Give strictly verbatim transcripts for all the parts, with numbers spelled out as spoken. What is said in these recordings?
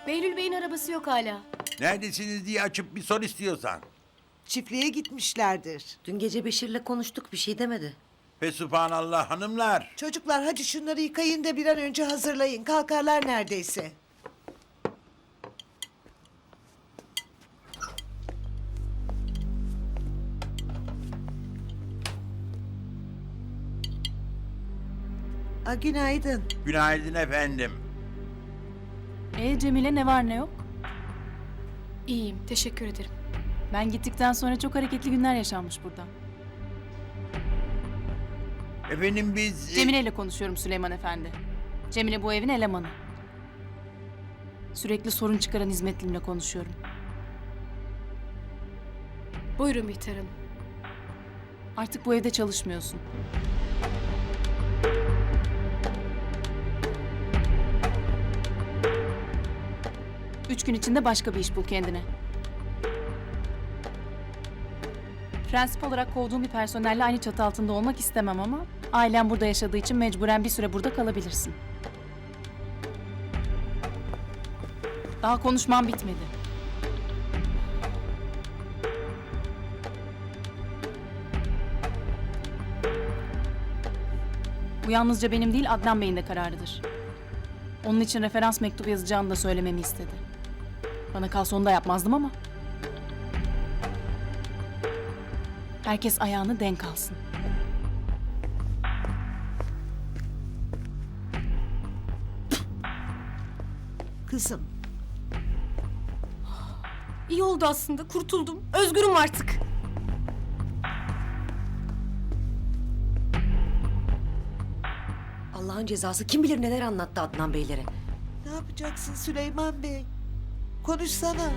Behlül Bey'in arabası yok hala. Neredesiniz diye açıp bir sor istiyorsan. Çiftliğe gitmişlerdir. Dün gece Beşir'le konuştuk, bir şey demedi. Fesubhanallah hanımlar. Çocuklar hadi şunları yıkayın da bir an önce hazırlayın. Kalkarlar neredeyse. A, günaydın. Günaydın efendim. E Cemile ne var ne yok? İyiyim, teşekkür ederim. Ben gittikten sonra çok hareketli günler yaşanmış burada. Efendim biz... e, Cemile ile konuşuyorum Süleyman Efendi. Cemile bu evin elemanı. Sürekli sorun çıkaran hizmetlimle konuşuyorum. Buyurun Bihter Hanım. Artık bu evde çalışmıyorsun. Üç gün içinde başka bir iş bul kendine. Prensip olarak kovduğum bir personelle aynı çatı altında olmak istemem ama... ...ailem burada yaşadığı için mecburen bir süre burada kalabilirsin. Daha konuşmam bitmedi. Bu yalnızca benim değil, Adnan Bey'in de kararıdır. Onun için referans mektubu yazacağını da söylememi istedi. Bana kalsa onu da yapmazdım ama... Herkes ayağını denk alsın. Kızım. İyi oldu aslında, kurtuldum. Özgürüm artık. Allah'ın cezası kim bilir neler anlattı Adnan Beylere. Ne yapacaksın Süleyman Bey? Konuşsana.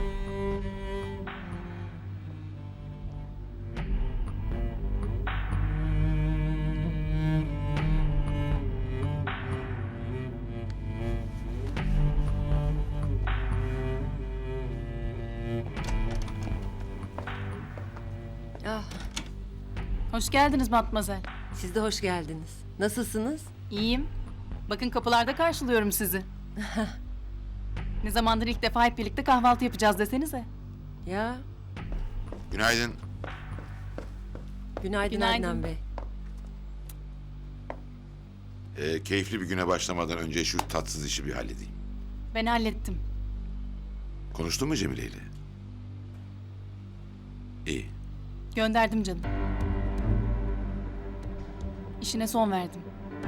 Ah, Hoş geldiniz Matmazel. siz de hoş geldiniz. Nasılsınız? İyiyim. Bakın kapılarda karşılıyorum sizi. Ne zamandır ilk defa hep birlikte kahvaltı yapacağız desenize. Ya, Günaydın. günaydın, Günaydın. Adnan Bey. Ee, keyifli bir güne başlamadan önce şu tatsız işi bir halledeyim. Ben hallettim. Konuştun mu Cemile ile? İyi. Gönderdim canım. İşine son verdim.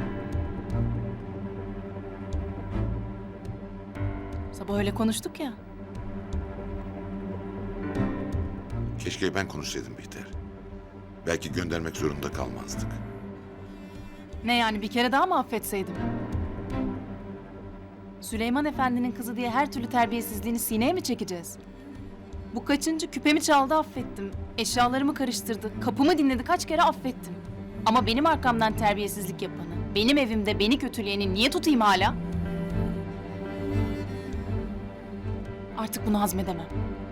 Sabah öyle konuştuk ya. Keşke ben konuşsaydım Bihter. Belki göndermek zorunda kalmazdık. Ne yani, bir kere daha mı affetseydim? Süleyman Efendi'nin kızı diye her türlü terbiyesizliğini sineye mi çekeceğiz? Bu kaçıncı, küpemi çaldı affettim. Eşyalarımı karıştırdı, kapımı dinledi, kaç kere affettim. Ama benim arkamdan terbiyesizlik yapanı, benim evimde beni kötüleyeni niye tutayım hala? Artık bunu hazmedemem.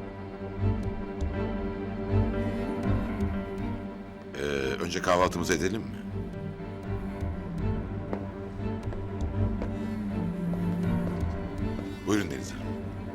Ee, önce kahvaltımızı edelim mi? Buyurun Deniz Hanım.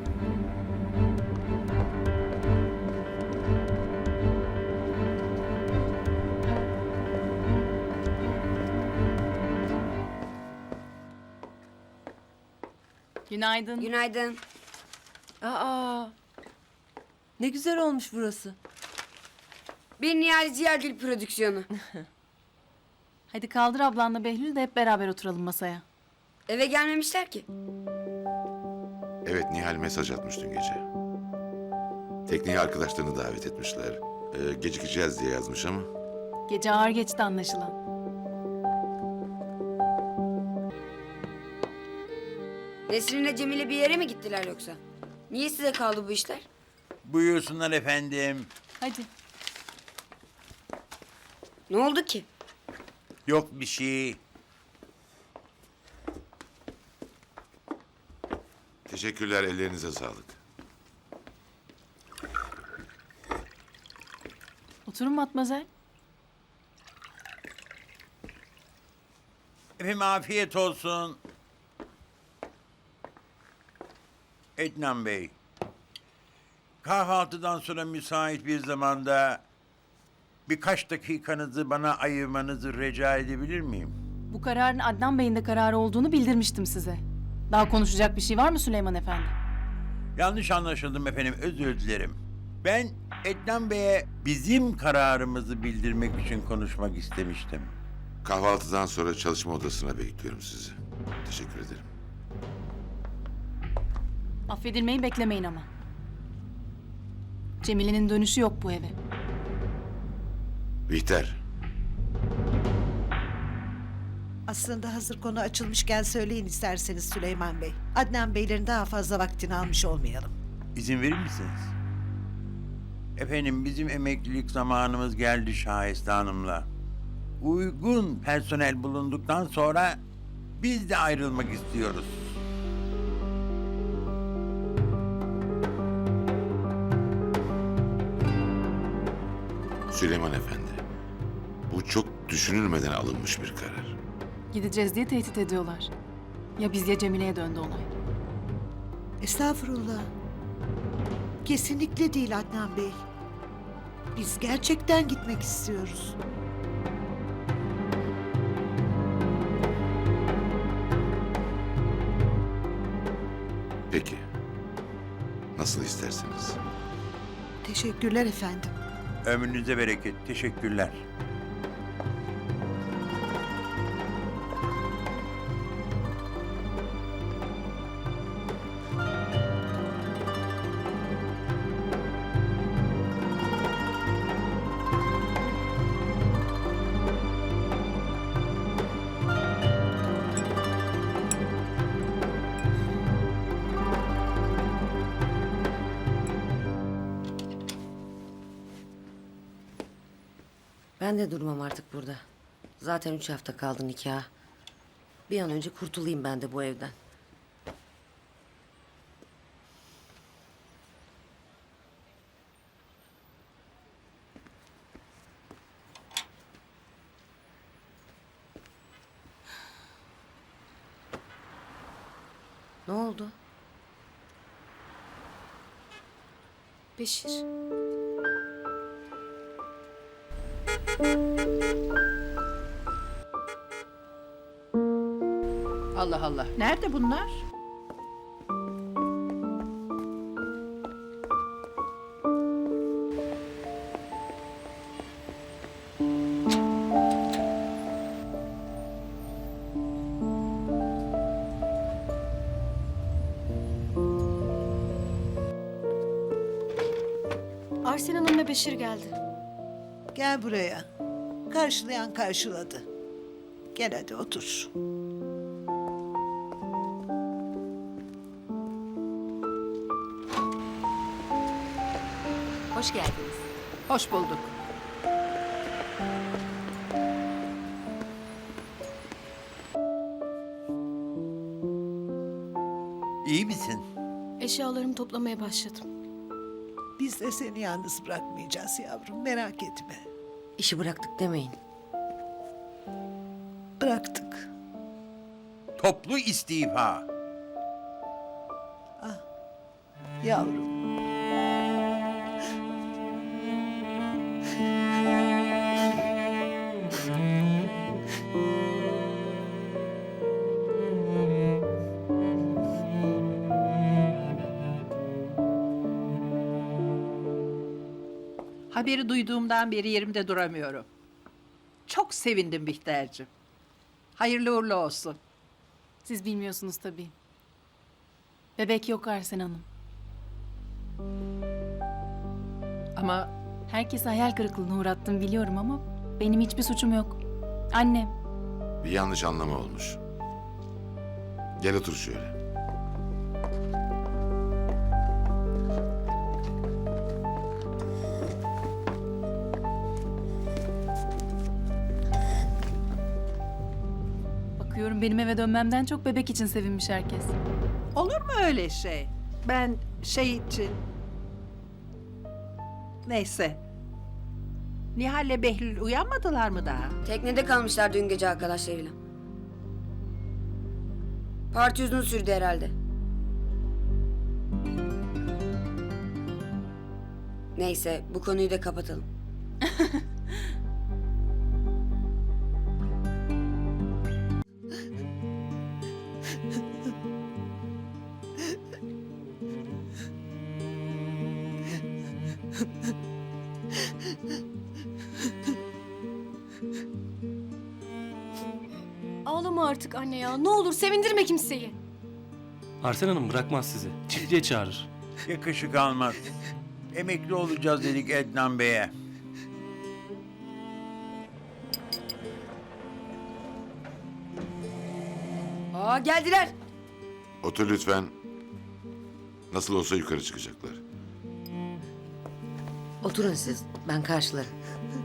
Günaydın. Günaydın. Aa, ne güzel olmuş burası. Bir Nihal Ziyagil prodüksiyonu. Hadi kaldır ablanla Behlül de hep beraber oturalım masaya. Eve gelmemişler ki. Evet, Nihal mesaj atmış dün gece. Tekneye arkadaşlarını davet etmişler. Ee, gecikeceğiz diye yazmış ama... Gece ağır geçti anlaşılan. Nesrin'le Cemile bir yere mi gittiler yoksa? Niye size kaldı bu işler? Buyursunlar efendim. Hadi. Ne oldu ki? Yok bir şey. Teşekkürler, ellerinize sağlık. Oturun Matmazel. Efendim afiyet olsun. Ednan Bey. Kahvaltıdan sonra müsait bir zamanda birkaç dakikanızı bana ayırmanızı rica edebilir miyim? Bu kararın Adnan Bey'in de kararı olduğunu bildirmiştim size. Daha konuşacak bir şey var mı Süleyman Efendi? Yanlış anlaşıldım efendim, özür dilerim. Ben Ednan Bey'e bizim kararımızı bildirmek için konuşmak istemiştim. Kahvaltıdan sonra çalışma odasına bekliyorum sizi. Teşekkür ederim. Affedilmeyi beklemeyin ama. Cemile'nin dönüşü yok bu eve. Bihter, Aslında hazır konu açılmışken söyleyin isterseniz Süleyman Bey. Adnan Beylerin daha fazla vaktini almış olmayalım. İzin verir misiniz? Efendim bizim emeklilik zamanımız geldi Şahiste Hanım'la. Uygun personel bulunduktan sonra biz de ayrılmak istiyoruz. Süleyman Efendi. Bu çok düşünülmeden alınmış bir karar. Gideceğiz diye tehdit ediyorlar. Ya biz ya Cemile'ye döndü olay. Estağfurullah. Kesinlikle değil Adnan Bey. Biz gerçekten gitmek istiyoruz. Peki. Nasıl isterseniz. Teşekkürler efendim. Ömrünüze bereket. Teşekkürler. Ben de durmam artık burada. Zaten üç hafta kaldı nikaha. Bir an önce kurtulayım ben de bu evden. Ne oldu? Beşir. Allah Allah. Nerede bunlar? Arsen Hanım ve Beşir geldi. Gel buraya. Karşılayan karşıladı. Gel hadi otur. Hoş geldiniz. Hoş bulduk. İyi misin? Eşyalarımı toplamaya başladım. Biz de seni yalnız bırakmayacağız yavrum. Merak etme. İşi bıraktık demeyin. Bıraktık. Toplu istifa. Yavrum. Haberi duyduğumdan beri yerimde duramıyorum. Çok sevindim Bihter'cim. Hayırlı uğurlu olsun. Siz bilmiyorsunuz tabii. Bebek yok Arsen Hanım. Ama Herkese hayal kırıklığına uğrattım biliyorum ama benim hiçbir suçum yok. Annem. Bir yanlış anlama olmuş. Gel otur şöyle. Bakıyorum benim eve dönmemden çok bebek için sevinmiş herkes. olur mu öyle şey? Ben şey için... Neyse. Nihal'le Behlül uyanmadılar mı daha? Teknede kalmışlar dün gece arkadaşlarıyla. Parti uzun sürdü herhalde. Neyse bu konuyu da kapatalım. Ağlama artık anne ya. Ne olur sevindirme kimseyi. Arsen Hanım bırakmaz sizi. Çiftliğe çağırır. Yakışık almaz. Emekli olacağız dedik Ednan Bey'e. Aa geldiler. Otur lütfen. Nasıl olsa yukarı çıkacaklar. Oturun siz. Ben karşılarım.